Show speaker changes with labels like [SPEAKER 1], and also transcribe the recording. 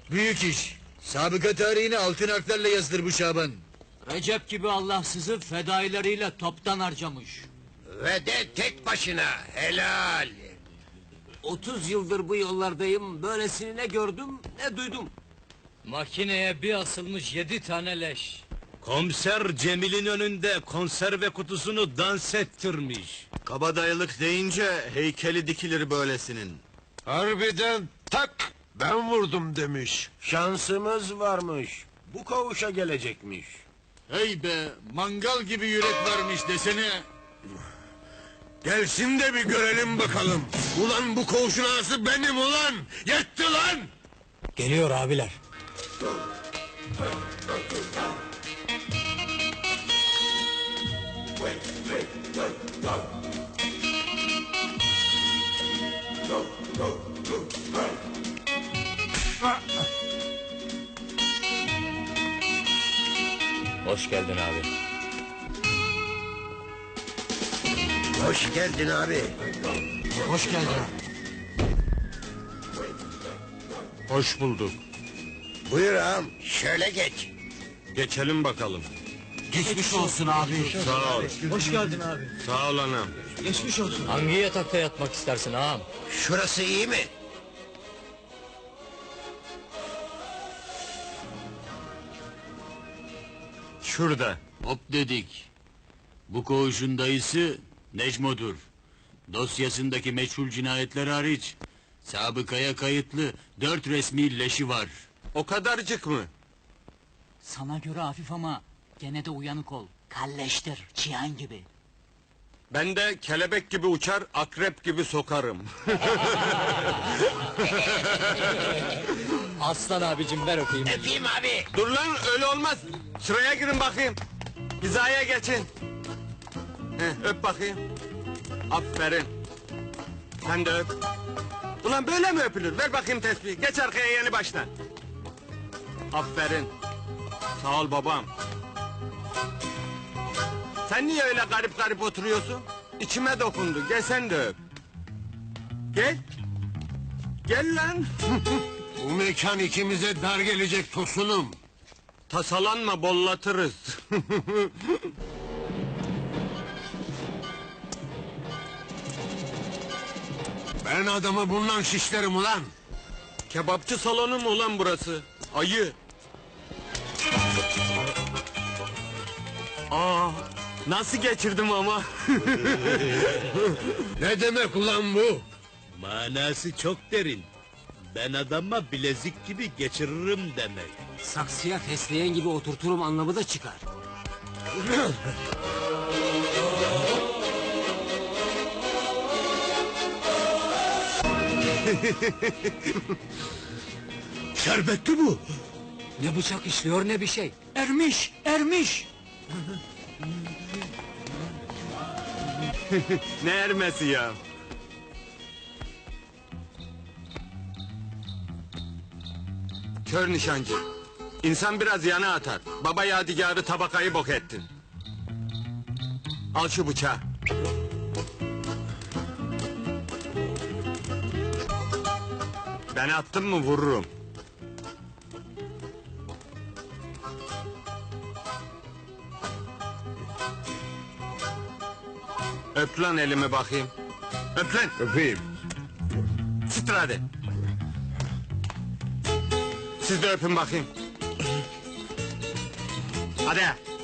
[SPEAKER 1] Büyük iş. Sabıka tarihini altın harflerle yazdır bu Şaban.
[SPEAKER 2] Recep gibi Allahsızı fedaileriyle toptan harcamış.
[SPEAKER 3] Ve de tek başına, helal!
[SPEAKER 2] 30 yıldır bu yollardayım, böylesini ne gördüm ne duydum. Makineye bir asılmış 7 tane leş.
[SPEAKER 4] Komiser Cemil'in önünde konserve kutusunu dans ettirmiş.
[SPEAKER 5] Kabadayılık deyince heykeli dikilir böylesinin.
[SPEAKER 3] Harbiden tak! Ben vurdum demiş. Şansımız varmış. Bu koğuşa gelecekmiş.
[SPEAKER 1] Hey be, mangal gibi yürek varmış desene.
[SPEAKER 3] Gelsin de bir görelim bakalım. Ulan bu koğuşun ağası benim ulan! Yetti lan!
[SPEAKER 2] Geliyor abiler. Hoş geldin abi.
[SPEAKER 3] Hoş geldin abi.
[SPEAKER 2] Hoş geldin.
[SPEAKER 5] Hoş bulduk.
[SPEAKER 3] Buyur ağam, şöyle geç.
[SPEAKER 5] Geçelim bakalım.
[SPEAKER 2] Geçmiş olsun abi.
[SPEAKER 5] Sağ ol.
[SPEAKER 2] Hoş geldin abi.
[SPEAKER 5] Sağ ol anam.
[SPEAKER 2] Geçmiş olsun. Hangi yatakta yatmak istersin ağam?
[SPEAKER 3] Şurası iyi mi?
[SPEAKER 5] Şurada.
[SPEAKER 1] Hop dedik. Bu koğuşun dayısı Necmo'dur. Dosyasındaki meçhul cinayetler hariç sabıkaya kayıtlı 4 resmi leşi var.
[SPEAKER 5] O kadarcık mı?
[SPEAKER 2] Sana göre hafif ama gene de uyanık ol. Kalleştir, çiyan gibi.
[SPEAKER 5] Ben de kelebek gibi uçar, akrep gibi sokarım.
[SPEAKER 2] Aslan abicim ver öpeyim.
[SPEAKER 3] Öpeyim abi.
[SPEAKER 5] Dur lan, öyle olmaz. Sıraya girin bakayım. Hizaya geçin. Öp bakayım. Aferin. Sen de öp. Ulan böyle mi öpülür? Ver bakayım tesbihi. Geç arkaya yeni baştan. Aferin. Sağ ol babam. Sen niye öyle garip garip oturuyorsun? İçime dokundu. Gel sen de öp. Gel. Gel lan.
[SPEAKER 3] Bu mekan ikimize dar gelecek Tosunum.
[SPEAKER 5] Tasalanma, bollatırız.
[SPEAKER 3] Ben adamı bundan şişlerim ulan.
[SPEAKER 5] Kebapçı salonu mu ulan burası? Ayı. Aa, nasıl geçirdim ama?
[SPEAKER 3] Ne demek ulan bu?
[SPEAKER 4] Manası çok derin. Ben adama bilezik gibi geçiririm demek.
[SPEAKER 2] Saksıya fesleğen gibi oturturum anlamı da çıkar.
[SPEAKER 3] Şerbetli bu.
[SPEAKER 2] Ne bıçak işliyor ne bir şey. Ermiş, ermiş.
[SPEAKER 5] Ne ermesi ya? Kör nişancı. İnsan biraz yana atar. Baba yadigarı tabakayı bok ettin. Al şu bıçağı. Ben attım mı vururum. Öp lan elimi bakayım. Öp lan.
[SPEAKER 3] Öpeyim.
[SPEAKER 5] Sıtır hadi. Siz de öpün bakayım. Hadi.